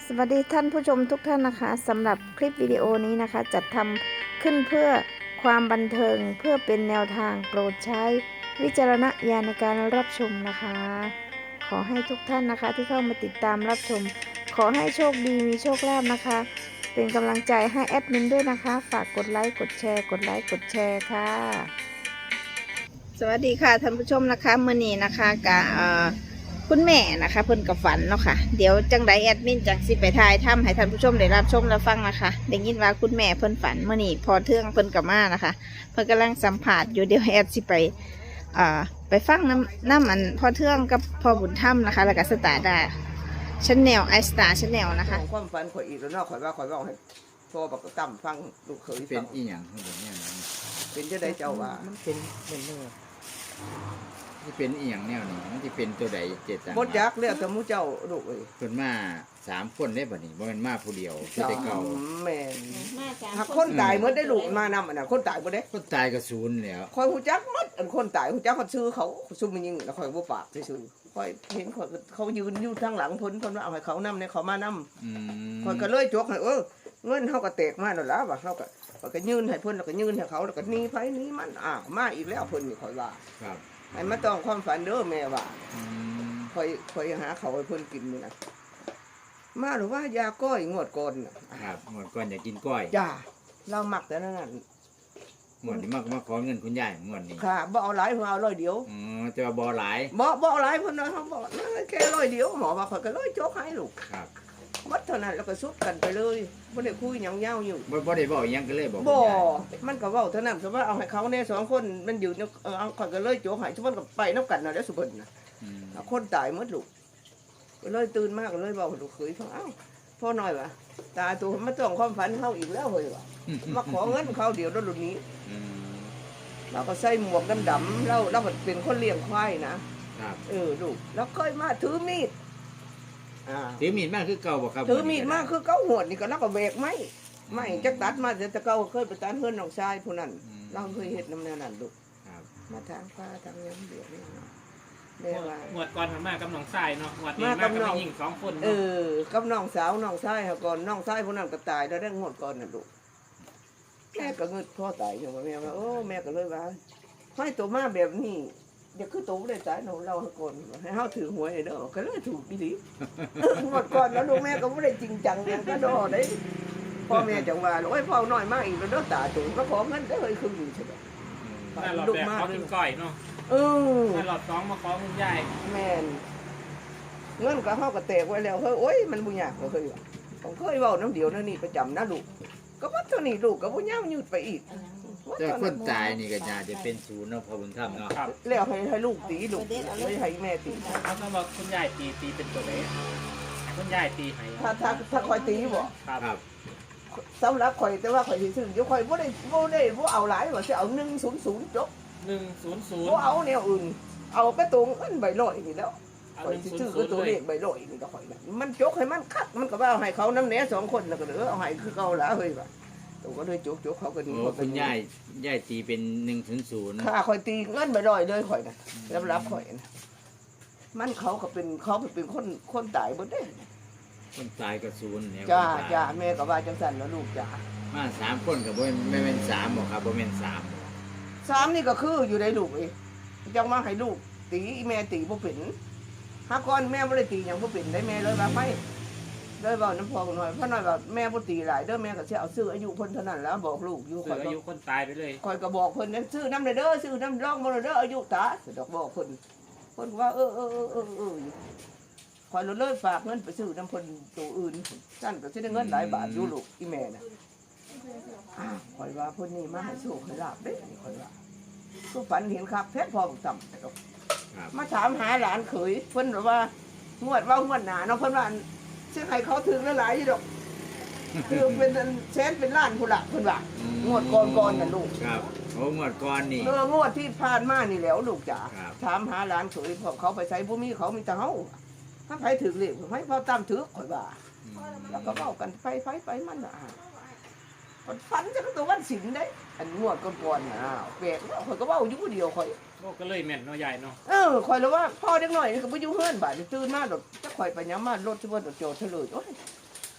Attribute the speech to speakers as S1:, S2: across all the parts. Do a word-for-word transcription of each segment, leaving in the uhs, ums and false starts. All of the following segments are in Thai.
S1: สวัสดีท่านผู้ชมทุกท่านนะคะสำหรับคลิปวิดีโอนี้นะคะจัดทำขึ้นเพื่อความบันเทิงเพื่อเป็นแนวทางโปรดใช้วิจารณญาณในการรับชมนะคะ ขอให้ทุกท่านนะคะที่เข้ามาติดตามรับชมขอให้โชคดีมีโชคลาภนะคะ เป็นกำลังใจให้แอดมินด้วยนะคะฝากกดไลค์กดแชร์กดไลค์กดแชร์ค่ะสวัสดีค่ะท่านผู้ชมนะคะเมื่อนี้นะคะกับคุณแม่นะคะเพิ่นกับฝันเนาะค่ะเดี๋ยวจังไดแอดมินจังสิไปทายทำให้ท่านผู้ชมได้รับชมและฟังนะคะได้ยินว่าคุณแม่เพิ่นฝันเมื่อนี้พอเทื่องเพิ่นกับมานะคะเพิ่นกำลังสัมผัสอยู่เดี๋ยวแอดสิไปอ่าไปฟังน้ำน้ำมันพอเทื่องกับพอบุญถ้ำนะคะแล้วก็สตาร์ดาชแนลไอสตาร์ชแนลนะคะ
S2: ความฝันข่อยอีกแล้วเนาะข่อยว่าข่อยว่าให้พ่อบักตั้มฟังลูกเขย
S3: เป็
S2: ฟั
S3: น
S2: ง
S3: อีหยังของผมเนี่ยนะ
S2: เป็นจะได้เจ้าว่า
S1: มันเป็นเป็นเนื้อ
S3: ที่เป็นอีหยังแนวนี้มันที่เป็นตัวใดเจตัง
S2: บดยักเรียกแต่มูเจ้าลูกเอ้ย
S3: เพิ่นมาสามคนได้บ่นี่บ่แม่นมาผู้เดียวคือแต่เก่า
S2: แม่น
S1: มาจาก
S2: หากคนตายเมื่อได้ลูกมานำอันน่ะคนตายบ่ได้
S3: คนตายก็ศูนย์แล้ว
S2: ข่อยฮู้จักหมดอันคนตายฮู้จักเขาชื่อเขาซุ่มมันยิงแล้วข่อยบ่ปากซื่อๆข่อยเห็นข่อยเขายืนอยู่ทางหลังเพิ่นเพิ่นว่าเอาให้เขานำเนี่ยเขามานำ
S3: อืม
S2: ข่อยก็เลยจกให้เออเงินเฮาก็แตกมาแล้วล่ะว่าเฮาก็ข่อยก็ยืนให้เพิ่นแล้วก็ยืนให้เขาแล้วก็หนีไผหนีมันอ้าวมาอีกแล้วเพิ่นนี่ข่อยว่า
S3: ครับ
S2: ให้มาต้องความฝันเด้อแม่ว่า
S3: อืม
S2: คอยคอยหาเขาให้เพิ่นกินนี่นะมาหรือว่ายาก้อยงวดก่อนน่ะ
S3: ครับหมดก่อนอยากกินก้อย
S2: จ้าเรามักแต่นั้น
S3: หมดนี้มามาขอเงินคุณยายหมดนี้
S2: ค่ะบ่เอาหลายเพิ่นเอาร้อยเดียว
S3: อ๋อแต่ว่าบ่หลาย
S2: บ่บ่เอาหลายเพิ่นนะเขาบอกนั่นแค่ร้อยเดียวหมอว่าข่อยก็ร้อยโจกให้ลูก
S3: ครับ
S2: วัดเท่านั้นแล้วก็สุดกันไปเลยบ่ได้คุยหยังยาวอยู่
S3: บ่บ่ได้บอกอีหยังก็เลยบอกคุณ
S2: บ่
S3: ยาย
S2: มันก็เว้าเท่านั้นสมมุติว่าเอาให้เขาแน่สองคนมันอยู่เนี่ยเออเอาข่อยก็เลยโจกให้สมมุติก็ไปนํกันน่ะแล้วสุเพิ่นน่ะ
S3: อืม
S2: คนตายหมดลูกก็เลยตื่นมากก็เลยบอกลูกเคยฟังเอ้าพ่อหน่อยวะตาตัวมาต้องความฝันเขาอีกแล้วเฮ้ยวะมาขอเงินเขาเดี๋ยวรถรุ่นนี้
S3: อืม
S2: เราก็ใส่หมวกดำๆเราเราเป็นคนเลี้ยงควายนะครับ เออลูกแล้วเคยมาถือมีดอ่า
S3: ถือมีดมาคือเก่าบ่ครับ
S2: ถือมีดมาคือเก้าหวดนี่ก็แล้วก็แบกไม้ไม้จักตัดมาแต่แต่เก้าเคยไปตัดเฮือนน้องชายผู้นั้นเราเคยเฮ็ดน้ำแนวนั้นลูก
S3: ครับ
S2: มาทางฟ้าทางยังเดือดนี่เนาะเรียกว่า
S4: หมวดก่อนทำมากับหนองทรายเนาะหมวดนี้
S2: มา
S4: มา
S2: กั
S4: กั
S2: บบ น้อง
S4: หญิงสองคน
S2: เอ
S4: เนาะ
S2: อกับน้องสาวน้องชายเขาก่อนน้องชายผู้นั้นก็ตายแล้วได้งวดก่อนน่ะลูกแม่ก็เงิดพ่อตายอยู่ว่าแม่ว่าโอ้แม่ก็เลยว่าให้ตัวมาแบบนี้เดี๋ยวคือตัวได้ตายหนูเราให้ก่อนให้เฮาถือหวยเด้อก็เลยถูกอีหลีงวดก่อนแล้วลูกแม่ก็บ่ได้จริงจังหยังก็ดอได้พ่อแม่จังว่าโอ้ยพ่อน้อยมาอีกแล้วเด้อตาตัวก็ขอเงินได้เฮ้ยคืออยู่ใช่บ่
S4: ถ้าหลอดแบกเขากินก้อยเนาะ
S2: เออ
S4: ถ้าหลอดสองมาขอคุณยาย
S2: แม่นเงินก็เฮาก็แตกไว้แล้วเฮ้ยโอ้ยมันบ่ยากก็เคยว่าผมเคยเว้าน้ำเดียวนั่นนี่ประจำนะลูกก็ว่าเท่านี้ลูกก็บ่ยาวยืดไปอีก
S3: แต่คนตายนี่ก็น่าจะเป็นศูนย์เนาะพอบุญธรรมเนาะ
S4: ครับ
S2: แล้วให้ให้ลูกตีลูกไม่ให้แม่ตี
S4: เขาต้องบอกคุณยายตีตีเป็นตัวไหนให้คุณยายตีให้
S2: ถ้าถ้าถ้าคอยตีบ่
S4: ครับ
S3: ครับ
S2: สำหรับคอยแต่ว่าคอยสิซื้ออยู่คอยบ่ได้บ่ได้บ่เอาหลายว่าสิเอาหนึ่งศูนย์ศูนย์จบ
S4: หนึ่งศูนย์ศูนย์
S2: บ่เอาแนวอื่น เอากระตรงอันใบลอยนี่แล้ว
S4: เอา
S2: คอ
S4: ห
S2: ย
S4: นึ่ง
S2: สิ
S4: ศูน ย์ศูนย์
S2: ซื้อก็ตัว
S4: เล
S2: เลย ขใบลอยนี่ก็คอยน่ะมันจกให้มันคัดมันก็ว่าเอาให้เขานำแหน่สองคนแล้วก็เด้อเอาให้คือเก่าละเฮ้ยว่าตัวก็เลยจกจกเขาก็ดี
S3: โอ้คุณยายยายตีเป็นหนึ่งศูนย์ศูนย์
S2: ค่าคอยตีเงินใบลอยเลยคอยน่ะรับรับคอยน่ะมันเขาก็เป็นเขาเป็นคนคนตายเบิดเด้
S3: คนตายก็ศูนย์เนี่ย
S2: จ้า
S3: คนตย
S2: จ้าแม่ก็ว่าจังสันแล้วลูกจ้า
S3: มาสามคนกับบ่ไม่เป็นสามหรอกครับบ่เป็นสามบ่
S2: สามนี่ก็คืออยู่ในลูกเองจังมาให้ลูกตีแม่ตีบ่เป็นหาก่อนแม่บ่ได้ตีหยังบ่เป็นได้แม่เลยว่าไม่เลยเว้าน้ำพอหน่อยเพราะหน่อยว่าแม่บ่ตีหลายเด้อแม่ก็สิเอาซื้ออายุเพิ่นเท่านั้นแล้วบอกลูกอยู่
S4: เสื
S2: ข่อ
S4: อย อายุคนตายไปเลย
S2: ข่อยก็บอกเพิ่นนั้นซื้อน้ำเด้อซื้อน้ำร่องบ่เด้ออายุตาดอกบอกเพิ่นเพิ่นว่าเออเออเออเออเออข่อยเลยฝากเงินไปซื้อน้ำเพิ่นตัวอื่นซั่นก็สิได้เงินหลายบาทอยู่ลูกอีแม่น่ะ อ้าวข่อยว่าเพิ่นนี่มาให้โชคให้ลาบเด้นี่ข่อยว่าคือฝันเห็นคักแท้พอบ่ต่ำดอก
S3: ครับ
S2: มาถามหาหลานเขยเพิ่นบอกว่างวดว่างวดหน้าเนาะเพิ่นว่าสิให้เขาถึงหลายๆอยู่ดอกคือเป็นแสนเป็นล้านพุ่นล่ะเพิ่นว่างวดก่อนๆน่ะลูก
S3: ครับโอ้งวดก่อนนี่
S2: เอองวดที่ผ่านมานี่แหล้วลูกจ๋า
S3: ครับ
S2: ถามหาหลานเขยพวกเขาไปใส่บ่มีเขามีแต่เฮาถ้าไผถึกเลขให้พอตามถึกข่อยว่า
S3: อืม
S2: แล้วก็เว้ากันไปไปไปมันน่ะมันฝันจักตัววันศิลได้ อันงวดก่อนๆน่ะอ้าวแปลกเนาะข่อยก็เว้าอยู่ผู้เดียวข่อย
S4: โลกก็เลยแม่นเนาะยายเนาะ
S2: เออข่อยแล้วว่าพ่อเด็กน้อยนี่ก็บ่อยู่เฮือนบาดนี้ตื่นมาดอกจักข่อยไปยามมารถสิบ่ดอกโจทย์เฉลยโอ้ย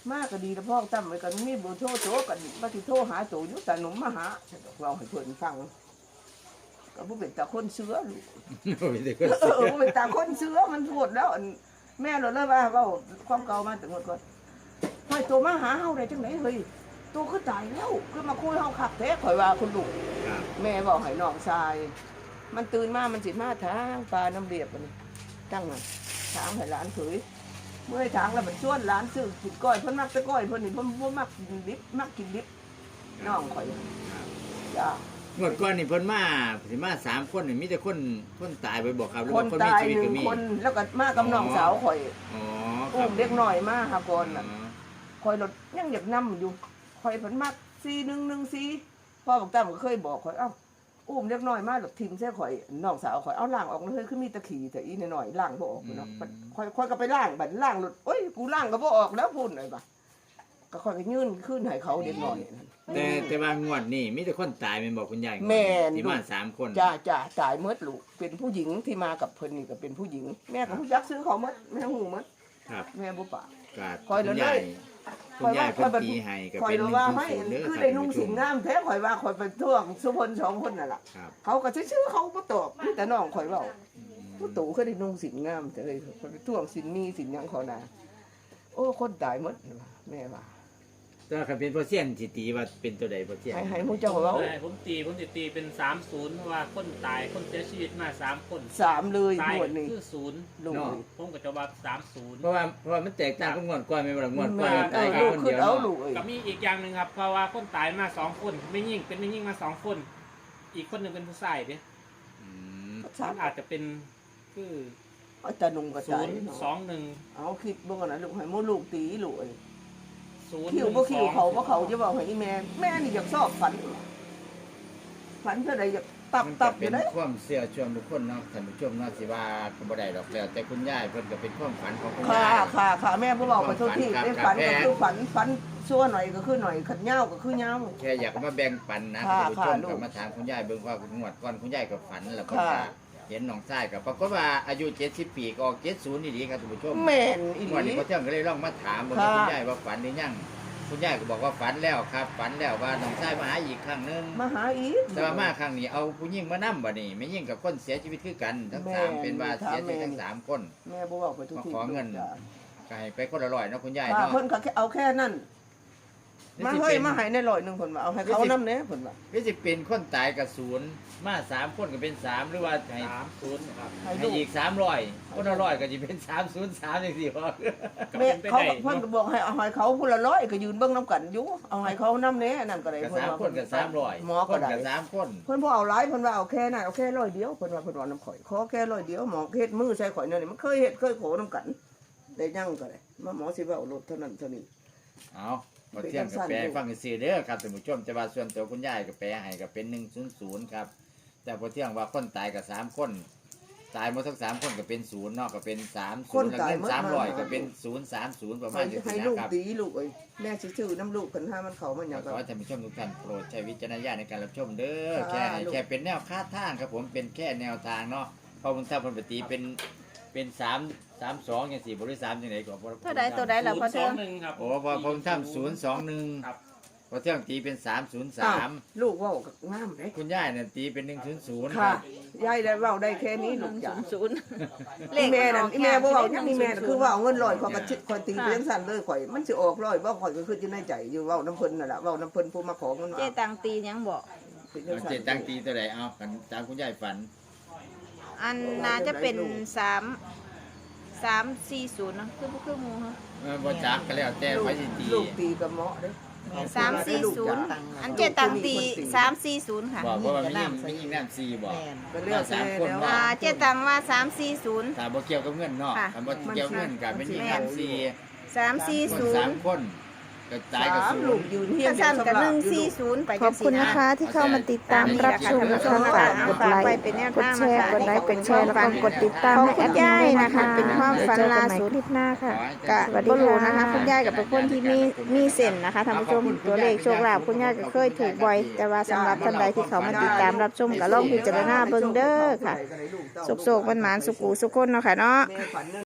S2: มากก็ดีแล้วพ่อตั้มไว้กันมีเบอร์โทรโตกันมาที่โทรหาโตอยู่แต่หนุ่มมาหาเราให้เพิ่นฟังก็บ่เป็นตาคนเสือลูก
S3: โอ้ยเด็กคน
S2: เออบ่เป็นตาคนเสือมันพูดแล้วอันแม่เราเลยว่าเว้าความเก่ามาแต่หมดก่อนให้โตมาหาเฮาได้จังได๋เฮ้ยโตคือตายแล้วคือมาคุยเฮาคักแท้ข่อยว่าคุณลูก
S3: ครับ
S2: แม่บอกให้น้องชาย มันตื่นมามันสิมาทางปลาน้ำเรียบมันตั้งน่ะทางให้หลานเผยเมื่อให้ทางแล้วมันชวนหลานซื้อกินก้อยเพิ่นมักแต่ก้อยเพิ่นนี่เพิ่นบ่มักกินดิบมักกินดิบน้องข่อยจ้าง
S3: วดก่อนนี่เพิ่นมาสิมาสามคนนี่มีแต่คนคนตายไปบอกครับหรือ
S2: คน
S3: ว่าคนมี
S2: ตาย
S3: ชีวิต
S2: หนึ่
S3: ก็
S2: ง
S3: มี
S2: คนแล้วก็มากับน้องสาวข่อย
S3: อ๋อค
S2: อุ้
S3: รับ
S2: มเด็กน้อยมาหาก่อน
S3: อ๋
S2: น่ะ
S3: อ
S2: ข่อยรถยังอยากนำอยู่ข่อยเพิ่นมักสี่หนึ่งหนึ่งสี่พ่อบอกตั้มก็เคยบอกข่อยเอ้าอุ้มเด็กน้อยมาหลบทิมใส่ข่อยน้องสาวข่อยเอาล่างออกเลยคือมีตะขี่แต่อีหน่อยๆล่างบ่ออกเนาะข่อยข่อยก็ไปล่างบัดล่างรถโอ้ยกูล่างก็บ่ออกแล้วพุ่นเลยบ่ะก็ข่อยก็ยื่นขึ้นให้เขาเด็กน้อยนั่น
S3: แต่แต่ว่างวดนี่มีแต่คนตายแม่นบอกคุณยาย
S2: แม่น
S3: ที่มาสามคน
S2: จ้าจ้าตายเมดลูกเป็นผู้หญิงที่มากับเพิ่นนี่ก็เป็นผู้หญิง แม่ก็ผู้ยักซื้อเขาเมดแม่หูเมด
S3: ครับ
S2: แม่บ่ปาก
S3: กาด
S2: คอย
S3: คุณ
S2: เลย
S3: ยาย
S2: ค
S3: คุ
S2: อย
S3: ณยาย
S2: ว่า
S3: เพิ่นตีให้ก็
S2: ข่อย
S3: เป็นห
S2: รู้
S3: นึ่ง
S2: ว่า
S3: ศูน
S2: ให้
S3: ย์ศูนย์เด้อ
S2: คือ
S3: ครับ
S2: ได้นุ่ง
S3: ท่านผู้ช
S2: สิง
S3: ม
S2: งามแท้ข่อยว่าข่อยไปท่วงสุพลสองคนนั่นล่ะ
S3: ครับ
S2: เขาก็ชื่อๆเขาบ่ตอบมีแต่น้องข่อยเว้าผู้ตู่คือได้นุ่งสิงงามแต่เฮ้ยข่อยไปท่วงสินมีสินหยังเขาน่ะโอ้คนตายหมดแม่ว่า
S3: แต่ว่าคันเป็นโปรเซียนสิตีว่าเป็นตัวใดโปรเซียน
S2: ให้ให้หมู่เจ้าเว้า
S4: ผมตีผมจะตีเป็นสามศูนย์เพราะว่าคนตายคนเสียชีวิตมาสามคน
S2: สามเลย
S4: ตาย
S2: หมดนี่
S4: คือศูนย์
S2: ลูก
S4: ผมก็จะว่าสามศูนย์
S3: เพราะว่าเพราะว่ามันแตกต่างกับงวดก่อนแม่นบ่ล่ะงวดก่อน
S2: แม่
S3: ตาย
S2: เอ
S3: แค่
S2: อ
S3: คน
S2: คื
S3: เดี
S2: อ
S3: ยว
S2: เอา
S3: เนาะ
S2: ลูกเอ้ย
S4: ก็มีอีกอย่างหนึ่งครับเพราะว่าคนตายมาสองคนไม่ยิ่งเป็นไม่ยิ่งมาสองคน อีกคนหนึ่งเป็นผู้ชายเด้
S3: อืม
S4: มันอาจจะเป็นคือ
S2: เอาแต่นุ่งก็
S4: ศู
S2: ตาย
S4: นย์
S2: เนาะ
S4: สองหนึ่ง
S2: เอาคิดเบิ่งก่อนนะลูกให้หมู่ลูกตีลูกเอ้ย
S4: ศูนย์
S2: คิวบ่คิวเขาบ่เขาจะบอกให้อีแม่แม่นี่อยากชอบฝัน ฝันเท่าใดอยากตับ
S3: มัน
S2: ตั
S3: ก็
S2: บอ
S3: เป็
S2: ยู่
S3: น
S2: ได้
S3: ความเชื่อส่วนบุคคลเนาะท่านผู้ชมเนาะสิว่าก็บ่ได้ดอกแล้วแต่คุณยายเพิ่นก็เป็นความฝันของคุณ
S2: ค่ะ
S3: ยาย
S2: ค่ะค่ะแม่บ่บอกขอโทษที่
S3: ครับ
S2: ได้ฝัน
S3: ครั
S2: ก็
S3: บ
S2: คือฝันฝันชั่วหน่อยก็คือหน่อยขัดเหย้าก็คือเหย้า
S3: แค่อยากมาแบ่งปันนะ
S2: ค่ะ
S3: ท่านผู้ชม
S2: ค่ะลูก
S3: ก็มาถามคุณยายเบิ่งว่าคุณงวดก่อนคุณยายก็ฝันแล้วก็
S2: ค่ะ
S3: เห็นน้องชายก็ปรากฏว่าอายุเจ็ดสิบปีก็ออกเจ็ดสิบนี่ดีครับท่านผู้ชม
S2: แม่นอีห
S3: งวด
S2: ลี
S3: นี้พ่อเที่ยงก็เลยลองมาถามเบิ่งว่า
S2: ค่ะ
S3: คุณยายว่าฝันหรือยังคุณยายก็บอกว่าฝันแล้วครับ ฝันแล้วว่าน้องชายมาหาอีกครั้งหนึง
S2: มาหาอีก
S3: แต่ว่ามาครั้งนี้เอาผู้หญิงมานํบ่นี่ไม่ยิ่งกับคนเสียชีวิตคือกันทั้งสาม
S2: แม่
S3: เป็นว่าเสียชีวิต
S2: แม่
S3: ทั้งสามคน
S2: แม่บ่บอกไปทุกที
S3: มาขอเงิน
S2: จ้ะ
S3: ก็ให้ไปคนละร้อยเนาะคุณยาย
S2: ค่ะ
S3: เนาะ
S2: เพิ่นก็แค่เอาแค่นั้นมาเฮ้ยมาให้ในร้อยหนึงเพิ่นว่าเอาให้เขานำแหน่เพิ่นว่า
S3: หรือสิเป็นคนตายกับศูนย์มาสามคนก็เป็นสามหรือว่าให้
S4: สามศูนย์ครับ
S2: ให้
S3: ให้
S2: ลูก
S3: อีกสามร้อยคนละร้อยก็จะเป็นสามศูนย์สามอย่างสี่พอ
S4: ก็
S2: แม่
S4: เป็นไป
S2: เขา
S4: ได้
S2: เพิ่นก็
S4: เนาะ
S2: บอกให้เอาให้เขาผู้ละร้อยก็ยืนเบิ่งนํกันอยู่เอาให้เขานำแหน่นั่นก็ได้
S3: กับ
S2: เพิ่น
S3: สาม
S2: ว่า
S3: คนกับสามร้อย
S2: หมอ
S3: ค
S2: ก็
S3: น
S2: ได้
S3: กับสามคน
S2: เพิ่นบ่เอาหลายเพิ่นว่าเอาแค่นั้นเอาแค่ร้อยเดียวเพิ่นว่าเพิ่นว่าน้ำข่อยขอแค่ร้อยเดียวหมอเฮ็ดมือใส่ข่อยนั่นนี่มันเคยเฮ็ดเคยโขนํกันได้ยั่งก็ได้มาหมอสิว่าเอารถเท่านั้นเท่านี้
S3: เอาพอเที่ยงกับแปลให้ฟังซื่อๆเด้อครับท่านผู้ชมแต่ว่าส่วนตัวคุณยายก็แปลให้ก็เป็นหนึ่งศูนย์ศูนย์ครับแต่พอเที่ยงว่าคนตายกับสามคนตายหมดทั้งสามคนก็เป็นศูนย์เนาะก็เป็นสามศูนย์แล้วเงินสามร้อยก็เป็นศูนย์สามศูนย์ประมา
S2: ให้
S3: ณนี้
S2: ให้
S3: นะ
S2: ลูก
S3: ครับ
S2: ตีลูกเอ้ยแม่สิซื้อน้ำลูกเพิ่นหามันเข้ามันหยัง
S3: ข
S2: ก็
S3: อให้ท่านผู้ชมทุกท่านโปรดใช้วิจารณญาณในการรับชมเด้อ
S2: ค่ะ
S3: แค่ให้
S2: ลูก
S3: แค่เป็นแนวคาดทางครับผมเป็นแค่แนวทางเนาะเพราะมันถ้าคนปฏิเป็นเป็นสามสามสองอย่างสี่บริสามอย่างไรก็บ่
S1: เท่าใดตัวใดล่ะพ่อ
S4: ส
S1: เทื
S4: อ
S1: อง ง
S4: หนึ่งครับ
S3: โอ้พอผมทำศูนย์สองหนึ่ง
S4: ครับ
S3: พอเที่ยงตีเป็นสามศูนย์
S2: อ้า
S3: สาว ม
S2: ลูกเว้าก็งามเด้
S3: คุณย่ายเนี่ยตีเป็นหนึ่งศูนย์ศูนย์
S2: ค่ะยายได้เว้าได้แค่นี้ลูกจ้ะ
S1: ศูนย์
S2: อีแม่นั่นอีแม่บ่เว้าหยังอีแม่น่ะคือว่าเอาเงินร้อยข่อยก็
S1: ค่ะ
S2: ชิข่อยตีไปจังซั่นเลยข่อยมันสิออกร้อยบ่ข่อยก็คืออยู่ในใจอยู่เว้าน้ำเพิ่นนั่นล่ะเว้าน้ำเพิ่นผู้มาขอเงิน
S1: เจ๊
S2: มา
S1: ตังตีหยังบอก
S2: เป็นจั
S3: เอา
S2: งซั่น
S3: เจ็ดตั้งตีตัวไหนเอากันตามคุณย่ายฝัน
S1: อันน่าจะเป็นสามสามสี่ศูนย์เนาะคือบ่คือหมูฮะ
S3: เออบ่จักก็แล้วแต่ไว้สิตี
S2: ลูกตีกับเหมาะเด้อ
S1: สามสี่ศูนย์อันเจ๊ตังตีสามสี่ศูนย์ค่ะ
S3: บอกว่ามันมีมียิงน้ำซีบอก
S2: ก็เรียก
S3: สามคน
S2: แล้ว
S3: ว่า
S1: อ่าเจ๊ตังว่าสามสี่ศูนย์
S3: ถ้าบ่เกี่ยวกับเงินเนาะ
S1: ค่ะ
S3: ถ้าบ่เกี่ยวกับเงินกับเป็นยิงน้ำซี
S1: สามสี่
S3: คน
S1: ศู
S3: สาน ม
S1: ย์
S3: คนก็ตายกับ
S2: สาม
S3: ศู
S2: ลู
S3: น
S2: ก
S3: ย์
S2: ยืนเฮีย
S1: กระ
S2: ง
S1: สั้นกับหนึ่ง
S2: สี่
S1: สี่ศูนย์ไป
S5: ขอบคุณนะคะที่เข้ามาติดตามรับชมนะคะฝากกดไลค์ กดแชร์ กดไลค์ กดแชร์ แล้วก็กดติดตามให้แอดมินด้วยนะคะ
S1: เป็นความฝัน
S5: เจอกัน
S1: ล่า
S5: ใหม่
S1: สุด
S5: คลิปหน้าค่ะ
S1: กะ
S5: สวัสดี
S1: บ่รู้
S5: ค่ะ
S1: นะคะคุณยายกับเป็นคนที่มีมีเส้นนะคะท่านผู้ชมตัวเลขโชคลาภคุณยายก็เคยถูกบ่อย แต่ว่าสำหรับท่านใดที่เขามาติดตามรับชมก็ลองพิจารณาเบิ่งเด้อค่ะสุกๆมันหมานๆสุกูสุกคนเนาะค่ะเนาะ
S2: แม่ฝัน